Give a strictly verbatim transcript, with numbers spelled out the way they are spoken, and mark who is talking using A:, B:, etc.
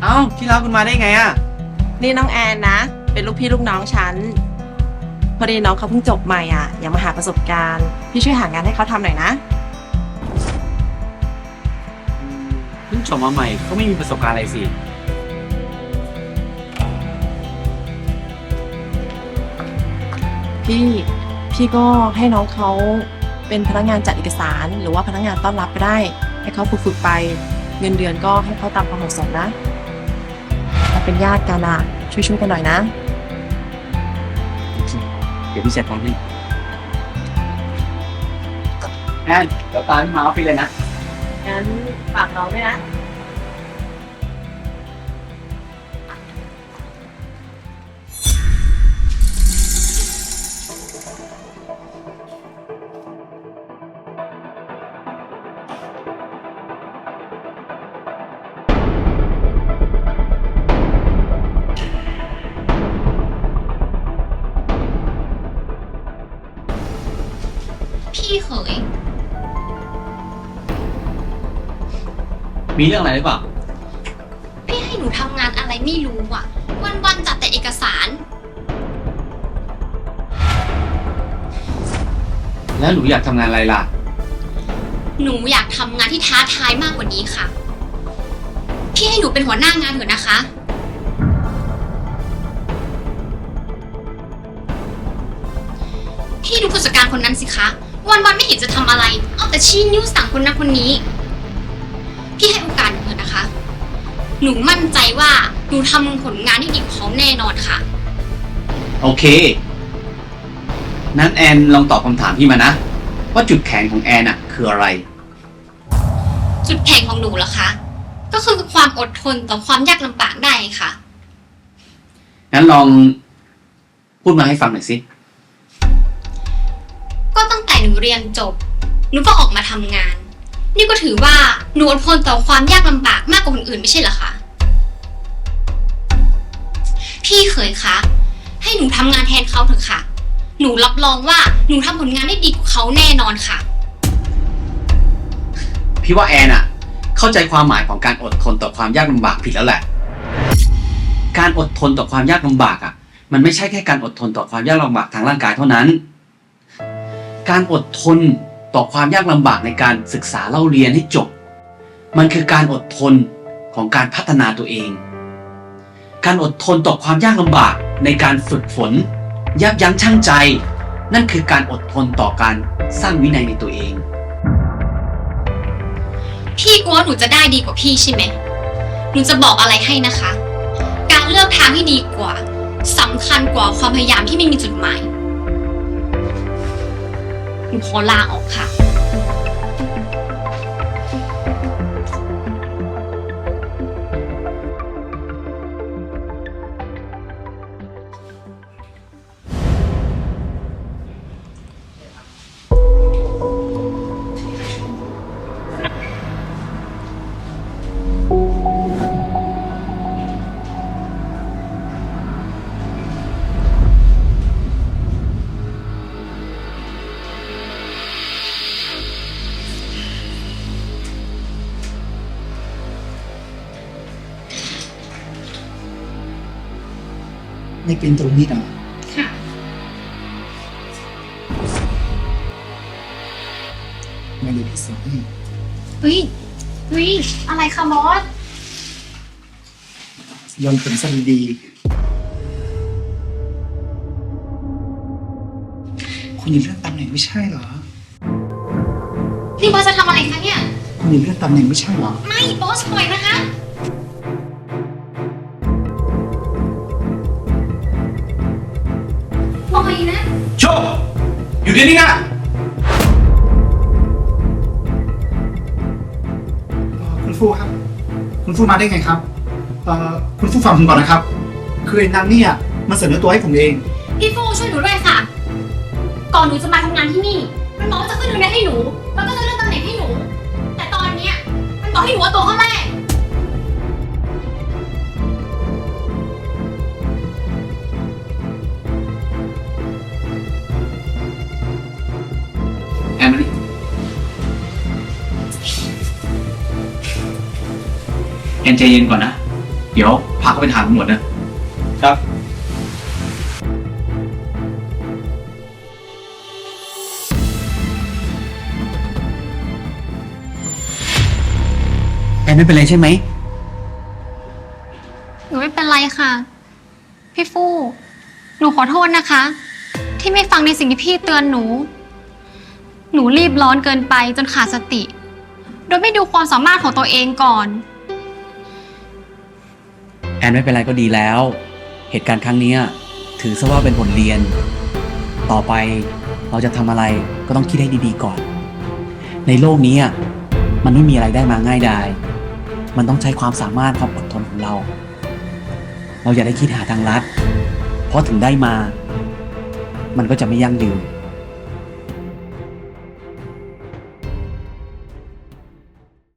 A: เอ้าที่รักคุณมาได้ไงอะ
B: นี่น้องแอนนะ เป็นลูกพี่ลูกน้องฉัน พอดีน้องเขาเพิ่งจบใหม่อ่ะอยากมาหาประสบการณ์ พี่ช่วยหางานให้เขาทำหน่อยนะ
A: เพิ่งจบมาใหม่ก็ไม่มีประสบการณ์อะไรสิ
B: พี่ พี่ก็ให้น้องเขาเป็นพนักงานจัดเอกสารหรือว่าพนักงานต้อนรับก็ได้ ให้เขาฝึกๆไป เงินเดือนก็ให้เขาตามความเหมาะสมนะเราเป็นญาติกันอ่ะ ช่วยๆกันหน่อยนะ
A: เดี๋ยวพี่จัดการให้แอนเดี๋ยวตามพี่มาออฟฟิศเลยนะ
B: งั้นฝากน้องด้วยนะ
C: พี่เขย
A: มีเรื่องอะไรหรือเปล่า
C: พี่ให้หนูทำงานอะไรไม่รู้อ่ะ วันๆจัดแต่เอกสาร
A: แล้วหนูอยากทำงานอะไรล่ะ
C: หนูอยากทำงานที่ท้าทายมากกว่านี้ค่ะ พี่ให้หนูเป็นหัวหน้างานเถอะนะคะ พี่ดูผู้จัดการคนนั้นสิคะ วันๆไม่เห็นจะทำอะไร เอาแต่ชี้นิ้วสั่งคนนั้นคนนี้ พี่ให้โอกาสหนูเถอะนะคะ หนูมั่นใจว่าหนูทำผลงานที่ดีกว่าเขาแน่นอนค่ะ
A: โอเคนั้นแอนลองตอบคำถามพี่มานะว่าจุดแข็งของแอนอะคืออะไร
C: จุดแข็งของหนูเหรอคะ ก็คือความอดทนต่อความยากลำบากได้ค่ะ
A: งั้นลองพูดมาให้ฟังหน่อยสิ
C: ก็ตั้งแต่หนูเรียนจบหนูก็ออกมาทำงาน นี่ก็ถือว่าหนูอดทนต่อความยากลำบากมากกว่าคนอื่นไม่ใช่เหรอคะพี่เขยคะให้หนูทำงานแทนเขาเถอะค่ะ หนูรับรองว่าหนูทำผลงานได้ดีกว่าเขาแน่นอนค่ะ
A: พี่ว่าแอนอะเข้าใจความหมายของการอดทนต่อความยากลำบากผิดแล้วแหละการอดทนต่อความยากลำบากอะมันไม่ใช่แค่การอดทนต่อความยากลำบากทางร่างกายเท่านั้นการอดทนต่อความยากลำบากในการศึกษาเล่าเรียนให้จบมันคือการอดทนของการพัฒนาตัวเองการอดทนต่อความยากลำบากในการฝึกฝนยับยั้งชั่งใจนั่นคือการอดทนต่อการสร้างวินัยในตัวเอง
C: พี่กลัวหนูจะได้ดีกว่าพี่ใช่ไหมหนูจะบอกอะไรให้นะคะ การเลือกทางที่ดีกว่าสำคัญกว่าความพยายามที่ไม่มีจุดหมายหนูขอลาออกค่ะ
D: ไม่เป็นตรงนี้หรอ
C: ค่ะ
D: ไม่เลยพี่สอนให้
C: เฮ้ยเฮ้ยอะไรคะบอส
D: ยอมผมซะดีๆคุณยังเลื่อนตำแหน่งไม่ใช่เหรอ
C: นี่บอสจะทำอะไรคะเนี่ย
D: คุณยังเลื่อนตำแหน่งไม่ใช่เหรอ
C: ไม่บอสปล่อยนะคะปล่อยนะ
A: โชคอยู่เดี๋ยวนี้นะ
D: คุณฟูครับคุณฟูมาได้ไงครับเอ่อคุณฟูฟังผมก่อนนะครับคือไอ้นางเนี่ยมันเสนอตัวให้ผมเอง
C: พี่ฟูช่วยหนูด้วยค่ะก่อนหนูจะมาทำงานที่นี่มันบอกว่าจะขึ้นเงินเดือนให้หนูแล้วก็จะเลื่อนตำแหน่งให้หนูแต่ตอนเนี้ยมันบอกให้หนูเอาตัวเข้าแรก
A: แอนมานี่แอนใจเย็นก่อนนะเดี๋ยวพาเขาไปถามตำรวจนะ ครับ แอนไม่เป็นไรใช่ไหม
C: หนูไม่เป็นไรค่ะ พี่ฟู่หนูขอโทษนะคะ ที่ไม่ฟังในสิ่งที่พี่เตือนหนู หนูรีบร้อนเกินไปจนขาดสติ โดยไม่ดูความสามารถของตัวเองก่อน
A: แอนไม่เป็นไรก็ดีแล้ว เหตุการณ์ครั้งนี้ถือซะว่าเป็นบทเรียน ต่อไปเราจะทำอะไรก็ต้องคิดให้ดีๆก่อน ในโลกนี้มันไม่มีอะไรได้มาง่ายดาย มันต้องใช้ความสามารถความอดทนของเรา เราอย่าได้คิดหาทางลัด เพราะถึงได้มา มันก็จะไม่ยั่งยืน